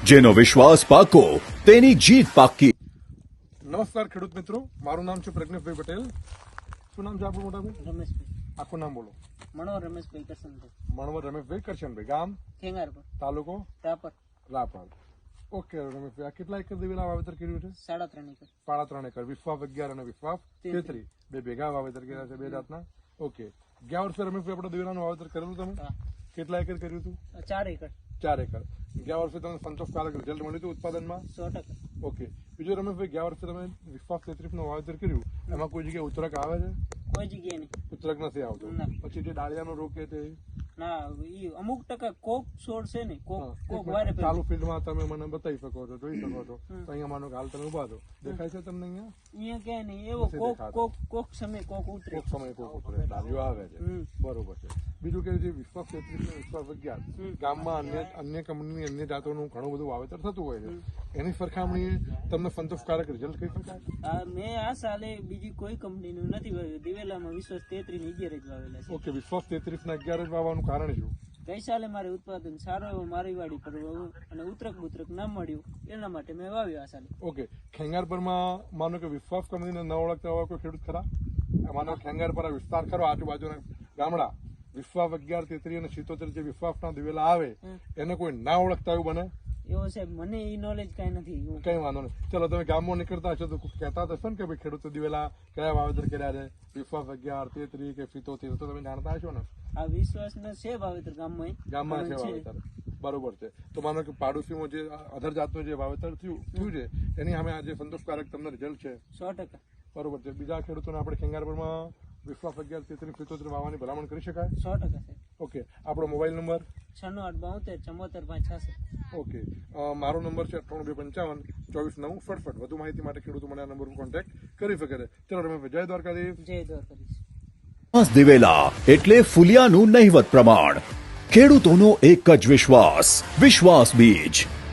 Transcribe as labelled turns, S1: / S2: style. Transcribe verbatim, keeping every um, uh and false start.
S1: જેનો વિશ્વાસ પાકો તેની જીત પાકી।
S2: નમસ્કાર ખેડૂત મિત્રો, મારું નામ છે પ્રજ્ઞેશભાઈ પટેલ। શું નામ છે આપણું મોટા ભાઈ?
S3: રમેશભાઈ।
S2: આખું નામ બોલો।
S3: મણવર રમેશભાઈ કરશનભાઈ।
S2: મણવર રમેશભાઈ કરશનભાઈ। ગામ?
S3: ખેંગારપર,
S2: તાલુકો?
S3: રાપર।
S2: રાપર। ઓકે રમેશભાઈ, આ કેટલા એકર દિવેલા વાવેતર કર્યું છે?
S3: સાડા ત્રણ એકર।
S2: સાડા ત્રણ એકર। વિશ્વાસ અગિયાર અને વિશ્વાસ તેત્રીસ બે ભેગા વાવેતર કર્યા છે, બે જાતના। ઓકે, ગયા વર્ષે રમેશભાઈ આપણે દિવેલાનું વાવેતર કરેલું તમે?
S3: હા।
S2: કેટલા એકર કર્યું હતું?
S3: ચાર એકર।
S2: ચાર એકર। ગયા વર્ષે તમને સંતોષકારક રિઝલ્ટ મળ્યું હતું ઉત્પાદનમાં?
S3: સો ટકા।
S2: ઓકે, બીજું રમેશભાઈ, ગયા વર્ષે તમે વિશ્વાસ તેત્રીસ નું વાવેતર કર્યું, એમાં કોઈ જગ્યાએ ઉતરક આવે છે?
S3: કોઈ જગ્યાએ નહીં।
S2: ઉતરક નથી આવતો?
S3: ના।
S2: પછી જે ડાળિયાનો રોગ કે તે
S3: ના, ઈ અમુક ટકા કોક છોડ છે ને, કોક
S2: હા,
S3: કોક
S2: એક
S3: વારે
S2: મિનિટ, ચાલુ ફિલ્ડમાં તમે મને બતાવી શકો છો, જોઈ શકો છો।
S3: હમ।
S2: તો અહીંયા માનો કે હાલ તમે ઉભા છો, દેખાય છે તમને અહીંયા?
S3: અહીંયા ક્યાંય નહીં, એવો
S2: નથી
S3: કોક
S2: દેખાતો।
S3: કોક કોક સમય કોક ઉતરે।
S2: કોક સમય કોક ઉતરે, ડાળીઓ આવે છે,
S3: હમ।
S2: બરોબર છે। બીજું કે જે વિશ્વાસ તેત્રીસ ને વિશ્વાસ અગિયાર
S3: હમ।
S2: ગામમાં અન્ય અન્ય કંપનીની અન્ય જાતોનું ઘણું બધું વાવેતર થતું હોય છે, એની સરખામણીએ તમને સંતોષકારક રિઝલ્ટ કહી શકાય?
S3: આ મેં આ સાલે બીજી કોઈ કંપનીનું નથી વાવ્યું, દિવેલામાં વિશ્વાસ તેત્રીસ ને અગિયાર જ વાવેલા છે।
S2: ઓકે, વિશ્વાસ તેત્રીસ ને અગિયાર જ વાવવાનું કારણ શું?
S3: ગઈ સાલે મારે ઉત્પાદન સારો એવો મારી વાડી પર વાવ્યું અને ઉતરક બુતરક ના મળ્યું, એના માટે મેં વાવ્યું આ સાલે।
S2: ઓકે, ખેંગારપરમાં માનો કે વિશ્વાસ કંપનીને ન ઓળખતા હોય કોઈ ખેડૂત ખરા? માનો ખેંગારપર આ વિસ્તાર ખરો, આજુબાજુના ગામડા વિશ્વાસ અગિયાર તેત્રીસ અને સિત્તોતેર જે વિશ્વાસના દિવેલા આવે એને કોઈ ના ઓળખતા એવું બને?
S3: એવો સાહેબ મને એ નોલેજ કઈ નથી। હું
S2: કઈ વાંધો નહીં, ચલો તમે ગામમાં નીકળતા હશો તો કહેતા હશો ને કે ભાઈ ખેડૂતો દિવેલા કયા વાવેતર કર્યા છે, વિશ્વાસ અગિયાર તેત્રીસ કે સિત્તોતેર, તો તમે જાણતા હશો ને?
S3: આ વિશ્વાસ ને છે વાવેતર ગામમાં
S2: ગામમાં છે વાવેતર, બરોબર છે। તો માનો કે પાડોશીમાં જે અધર જાતનું જે વાવેતર થયું થયું છે એની સામે આજે સંતોષકારક તમને રિઝલ્ટ છે?
S3: સો ટકા।
S2: બરોબર છે। બીજા ખેડૂતોને આપણે ખેંગારપરમાં વિશ્વાસ અગિયાર તેત્રીસ સિત્તોતેર વાવવાની ભલામણ કરી શકાય?
S3: સો ટકા સાહેબ।
S2: ઓકે, આપણો મોબાઈલ નંબર?
S3: છન્નું આઠ બાઉતેર ચમોતેર પાંચ છાસઠ।
S2: ઓકે, અ, મારો નંબર છે અઠ્ઠાણું બે પંચાવન ચોવીસ નવ સડસઠ। વધુ માહિતી માટે ખેડૂતો મને આ નંબર પર કોન્ટેક્ટ કરી શકે છે। ચલો રમેશભાઈ, જય દ્વારકાધીશ।
S3: જય દ્વારકાધીશ।
S1: વિશ્વાસ દિવેલા એટલે ફુલિયાનું નહિવત પ્રમાણ। ખેડૂતોનો એક જ વિશ્વાસ, વિશ્વાસ બીજ।